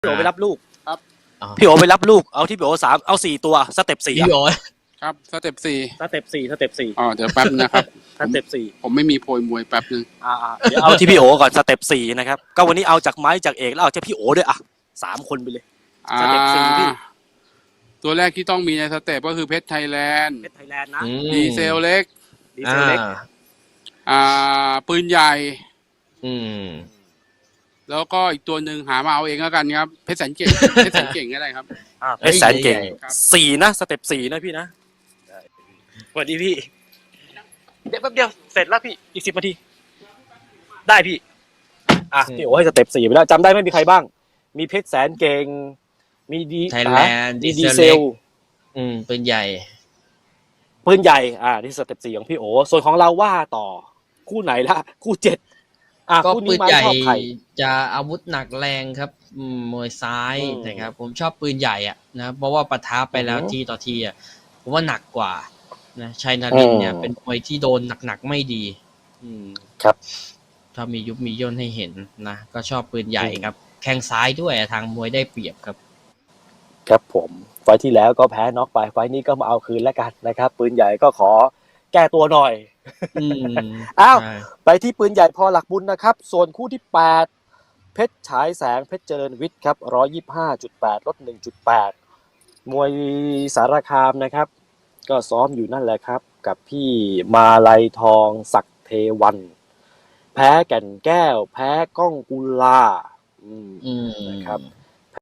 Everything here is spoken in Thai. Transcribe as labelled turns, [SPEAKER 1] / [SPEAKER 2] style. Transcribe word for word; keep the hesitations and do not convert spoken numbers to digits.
[SPEAKER 1] พี่โอไปรับลูก
[SPEAKER 2] ครับ
[SPEAKER 1] พี่โอไปรับลูกเอาที่พี่โอสามเอาสี่ตัวสเต็ปสี่
[SPEAKER 3] พี่โอ
[SPEAKER 2] ครับสเต็ปสี่
[SPEAKER 1] สเต็ปสี่สเต็ปสี่
[SPEAKER 2] อ๋อเดี๋ยวแป๊บนะครับ
[SPEAKER 1] สเต็ปสี่
[SPEAKER 2] ผมไม่มีโพยมวยแป๊บนึง
[SPEAKER 1] อ่าๆเดี๋ยวเอาที่พี่โอก่อนสเต็ปสี่นะครับก็วันนี้เอาจากไม้จากเอกแล้วเอาจากพี่โอด้วยอ่ะสามคนไปเลย
[SPEAKER 2] อ่า
[SPEAKER 1] สเต็ปสี่พี่
[SPEAKER 2] ตัวแรกที่ต้องมีในสเต็ปก็คือเพชรไทยแลนด์
[SPEAKER 1] เพชรไทยแลนด์นะ
[SPEAKER 2] ดีเซลเล็ก
[SPEAKER 1] ดีเซลเล็ก
[SPEAKER 2] อ่าปืนใหญ่
[SPEAKER 3] อืม
[SPEAKER 2] แล้วก็อีกตัวหนึ่งหามาเอาเองแล้วกันครับเพชรแสนเก่ง เพชรแสนเก่งก็ได้ครับ
[SPEAKER 1] อ่าเพชรแสนเก่ง
[SPEAKER 2] ครับ
[SPEAKER 1] สี่นะสเต็ปสี่นะพี่นะสวัสดีพี่เดี๋ยวแป๊บเดียวเสร็จแล้วพี่อีกสิบนาทีได้พี่อ่ะพี่โอให้สเต็ปสี่ไปแล้วจำได้ไหมมีใครบ้าง มีเพชรแสนเก่งมีดี
[SPEAKER 3] ไทยแลนด์
[SPEAKER 1] มี
[SPEAKER 3] ดี
[SPEAKER 1] ดี
[SPEAKER 3] เซ
[SPEAKER 1] เซ
[SPEAKER 3] ล
[SPEAKER 1] ล
[SPEAKER 3] อืมปืนใหญ่
[SPEAKER 1] ปืนใหญ่อ่านี่สเต็ปสี่ของพี่โอส่วนของเราว่าต่อคู่ไหนละคู่เจ็ดอ่ะ
[SPEAKER 3] ก็
[SPEAKER 1] คู่
[SPEAKER 3] ปื
[SPEAKER 1] นี้
[SPEAKER 3] น
[SPEAKER 1] ไม้
[SPEAKER 3] ใหญ่
[SPEAKER 1] ชอบใคร
[SPEAKER 3] จะอาวุธหนักแรงครับอืมมวยซ้าย
[SPEAKER 1] อืม
[SPEAKER 3] นะครับ ผมชอบปืนใหญ่อ่ะนะเพราะว่าปะทะไปแล้ว
[SPEAKER 1] อือฮึ
[SPEAKER 3] ทีต่อทีอ่ะผมว่าหนักกว่านะชัยนารินทร์เนี่ย
[SPEAKER 1] อืม
[SPEAKER 3] เป็นมวยที่โดนหนักๆไม่ดี อืม
[SPEAKER 1] ครับ
[SPEAKER 3] ถ้ามียุบมีย่นให้เห็นนะก็ชอบปืนใหญ่
[SPEAKER 1] อืม
[SPEAKER 3] ครับแข้งซ้ายด้วยทางมวยได้เปรียบครับ
[SPEAKER 1] ครับผมไฟล์ที่แล้วก็แพ้น็อกไปไฟล์นี้ก็มาเอาคืนแล้วกันนะครับ ปืนใหญ่ก็ขอแก้ตัวหน่อย
[SPEAKER 3] อืม
[SPEAKER 1] อ้าว
[SPEAKER 3] ใช่
[SPEAKER 1] ไปที่ปืนใหญ่พอหลักบุญนะครับ ส่วนคู่ที่แปดเพชรฉายแสงเพชรเจริญวิทย์ครับหนึ่งร้อยยี่สิบห้าจุดแปดลด หนึ่งจุดแปด มวยสารคามนะครับ ก็ซ้อมอยู่นั่นแหละครับ กับพี่มาลัยทองศักดิ์เทวัน แพ้แก่นแก้ว แพ้ก้องกุลาอืม
[SPEAKER 3] อืม
[SPEAKER 1] นะครับ